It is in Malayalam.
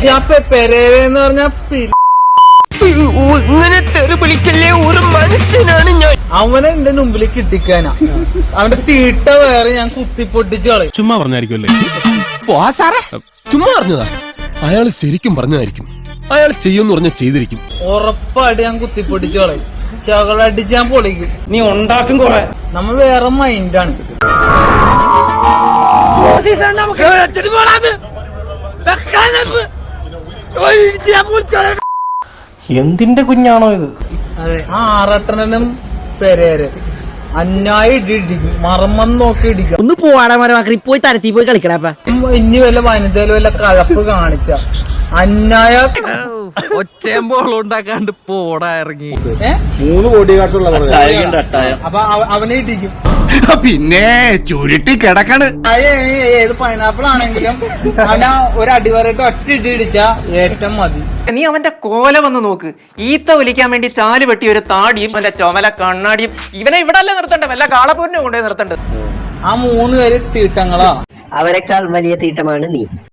പെരേരെന്ന് പറഞ്ഞ ഇങ്ങനെ തെറി വിളിക്കല്ലേ ഒരു മനുഷ്യനാണ് ഞാൻ. അവനെ എന്റെ മുമ്പിൽ കിട്ടിക്കാനാ. അവന്റെ തീട്ട വേറെ ഞാൻ കുത്തിപ്പൊട്ടിച്ച് കളയും. ചുമ്മാ പറഞ്ഞായിരിക്കുമല്ലേ? ചുമ്മാ പറഞ്ഞതാ. അയാൾ ശരിക്കും പറഞ്ഞതായിരിക്കും. അയാൾ ചെയ്യുമെന്ന് പറഞ്ഞ ചെയ്തിരിക്കും. ഉറപ്പായിട്ട് ഞാൻ കുത്തിപ്പൊട്ടിച്ച് കളയും. ചകളടിച്ച് ഞാൻ പൊളിക്കും. നീ ഉണ്ടാക്കും കൊറേ. നമ്മ വേറെ മൈൻഡാണ്. എന്തിന്റെ കുഞ്ഞാണോ ഇത്? അതെ, ആ ആറട്ടനും പെരേര് അന്നായി ഇടിക്കും. മർമ്മം നോക്കി ഇടിക്കാം. ഒന്ന് പോവാടാ മരമാക്കി പോയി തരത്തി പോയി കളിക്കടാപ്പ. ഇനി വല്ല വനിതയില് വല്ല കഴപ്പ് കാണിച്ച അന്നായ ഒച്ചയമ്പോൾ ഉണ്ടാക്കാണ്ട് പോടാ ഇറങ്ങി. 3 കോടി കാട്ടുള്ള അപ്പൊ അവനെ ഇടിക്കും. പിന്നെ ചുരുട്ടി കിടക്കണ്. ഏത് പൈനാപ്പിൾ ആണെങ്കിലും അവനാ ഒരു അടിവരട്ട് ഒറ്റ ഇടി ഇടിച്ചാ ഏറ്റവും മതി. നീ അവന്റെ കോല വന്ന് നോക്ക്. ഈത്ത ഒലിക്കാൻ വേണ്ടി ചാല് വെട്ടി ഒരു താടിയും അവന്റെ ചുമല കണ്ണാടിയും. ഇവനെ ഇവിടെ അല്ലേ നിർത്തണ്ട, വല്ല കാളപ്പൂരിനെ കൊണ്ടുപോയി നിർത്തണ്ടത്. ആ 3 പേര് തീട്ടങ്ങളാ. അവരെക്കാൾ വലിയ തീട്ടമാണ് നീ.